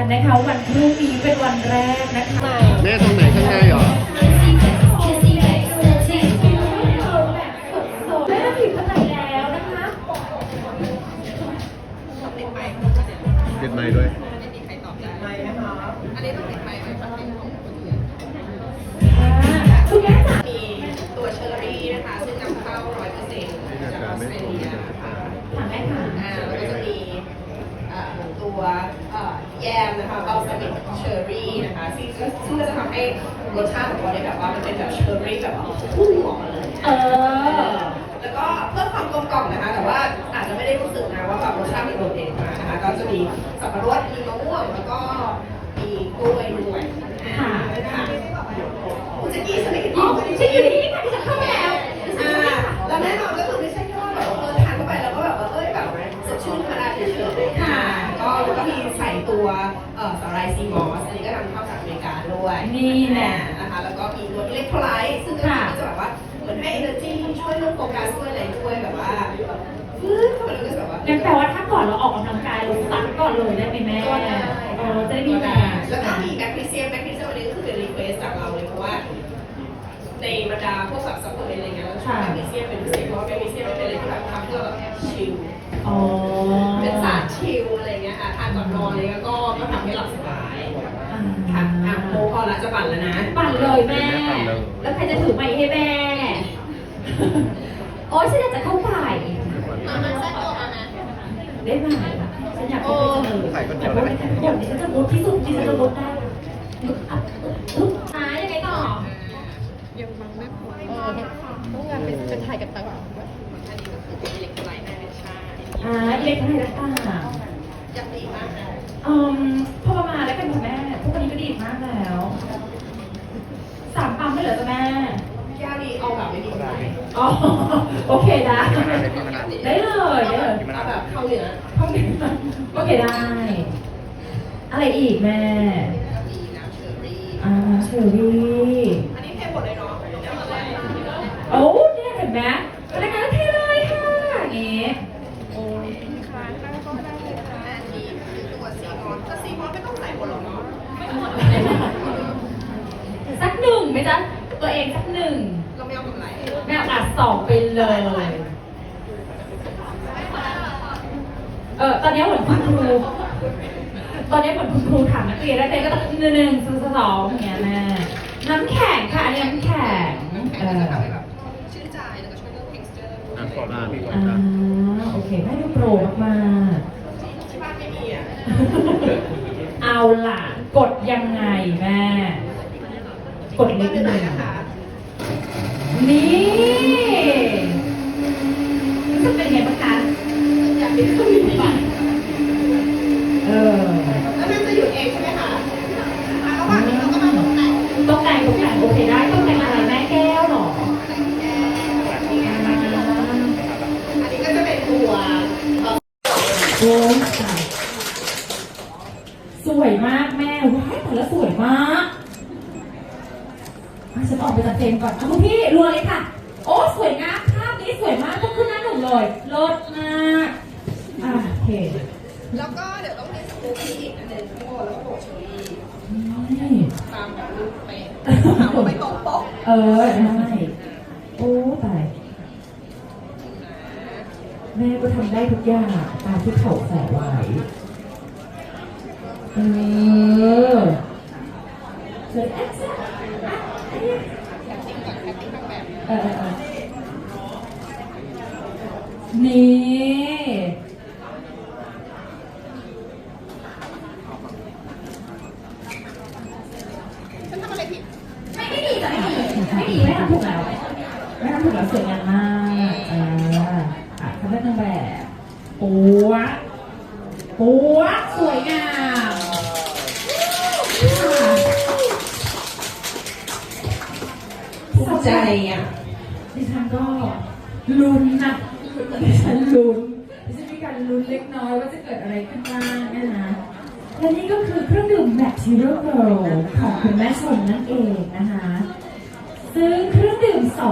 กันนะคะวันพรุ่งนี้เป็นวันแรกนะคะแม่ตรงไหนข้างในเหรอแม่ผิดข้างในแล้วนะคะติดไมค์ด้วยคุณแม่จ๋ามีตัวเชอร์รี่นะคะซึ่งนำเข้า 100% จากออสเตรเลียค่ะถามแม่ค่ะแล้วก็จะมีตัวแยมนะคะบัลซามิกเชอร์รี่นะคะซึ่งก็จะทำให้รสชาติของเราเนี่ยแบบว่ามันเป็นแบบเชอร์รี่แบบพุ่งออกมาเลยแล้วก็เพิ่มความกลมกล่อมนะคะแต่ว่าอาจจะไม่ได้รู้สึกนะว่าแบบรสชาติมันโดดเด่นมากนะคะก็จะมีสับปะรดมีมะม่วงแล้วก็มีกล้วยด้วยค่ะคุณแจ็คกี้สวัสดีค่ะฉันอยู่ที่นี่ค่ะที่จะเข้ามาแล้วแน่นอนก็คือไม่ใช่แค่ว่าแบบทานเข้าไปแล้วก็แบบแบบสดชื่นธรรมดาเฉยๆค่ะก็มีใส่ตัวสาหร่ายซีมอสอันนี้ก็นำเข้าจากอเมริกาด้วยนี่แหละนะคะแล้วก็มีตัวอิเล็กโทรไลต์ซึ่งก็จะแบบว่าเหมือนให้ energy ช่วยเรื่องโฟกัสด้วยอะไรด้วยแบบว่าเข้ามาแล้วก็แบบว่างั้นแปลว่าถ้าก่อนเราออกกำลังกายเราซักก่อนเลยได้ไหมแม่จะได้มีแรงแล้วก็มีแมกนีเซียมอันนี้ก็คือเป็นรีเควสจากเราเลยเพราะว่าในบรรดาพวกแบบซัพพลีเมนต์อะไรเงี้ยเราชอบแมกนีเซียมเป็นพิเศษเพราะว่าแมกนีเซียมเป็นอะไรที่แบบทำให้เราแบบชิลเป็นสารชิลอะไรเงี้ยค่ะทานก่อนนอนเลยก็ทำให้หลับสบายค่ะโมพอละจะปั่นแล้วนะปั่นเลยแม่แล้วใครจะถือไมค์ให้แม่โอ้ฉันอยากจะเข้าไปมันแซ่บตัวมาไหมได้ไหมฉันอยากเข้าไปเสนอแต่ว่าเดี๋ยวนี้ฉันจะมุดที่สุดที่ฉันจะมุดได้ยังไงต่อยังฟังไม่พอต้องงานเป็นถ่ายกับตาอันนี้ก็คืออิเล็กโทรไลต์ในชาอิเล็กโทรไลต์ต่างๆยังดีมากนะพอประมาณแล้วเป็นคุณแม่พวกนี้ก็ดีมากแล้ว3 ปั๊มไม่เหลือจ้ะแม่ย่าดีเอาแบบไม่ดีเลยโอเคได้ได้เลยเอาแบบเข้าเหนือโอเคได้อะไรอีกแม่มีน้ำเชอร์รี่เชอร์รี่อันนี้เทหมดเลยเนาะโอ้เนี่ยเห็นไหมรายการเทเลยค่ะอย่างนี้โอ้ยค้างนั่งก็ได้เลยค่ะอันนี้คือตัวซีมอนก็ซีมอนไม่ต้องใส่หมดหรอกเนาะไม่หมดสัก1ไหมจ๊ะตัวเองสัก1 เราไม่เอาแบบไหนแม่2ไปเลยตอนนี้เหมือนคุณครูถามนักเรียนแล้วเต้ก็ต้อง1 2อย่างเงี้ยแม่น้ำแข็งค่ะอันนี้น้ำแข็งชื่นใจแล้วก็ช่วยเรื่อง texture โอเคแม่ดูโปรมากที่บ้านไม่มีเอาล่ะกดยังไงแม่กดนิดนึงนี่รู้สึกเป็นไงบ้างคะอยากเป็นเครื่องบินไปแล้วมันจะหยุดเองใช่ไหมคะระหว่างนี้เราก็มาตกแต่งโอเคได้ตกแต่งอะไรแม่แก้วหรออันนี้ก็จะเป็นตัวโอ้ยสวยมากแม่ว้ายแต่ละสวยมากฉันออกไปจากเฟรมก่อนคุณพี่รัวเลยค่ะโอ้สวยงามภาพนี้สวยมากต้องขึ้นหน้าหนุ่มเลยเลิศมากโอเคแล้วก็เดี๋ยวต้องมีสกู๊ปอีกอันนึงทั้งหมดแล้วก็โบเชอรี่ตามแบบรูปเป๊ะหาว่าไม่ตรงปกได้โอ้ตายแม่ก็ทำได้ทุกอย่างตามที่เขาใส่ไว้เชิญนี่ฉันทำอะไรผิดไม่ดีไม่ทำถูกแล้วสวยงามมากทำได้ทั้งแบบปัวสวยงามภูมิใจดิฉันก็ลุ้นนะดิฉันมีการลุ้นเล็กน้อยว่าจะเกิดอะไรขึ้นบ้างนะคะและนี่ก็คือเครื่องดื่มแมทชิโร่เกิร์ลของคุณแม่ชมนั่นเองนะคะซึ่งเครื่องดื่ม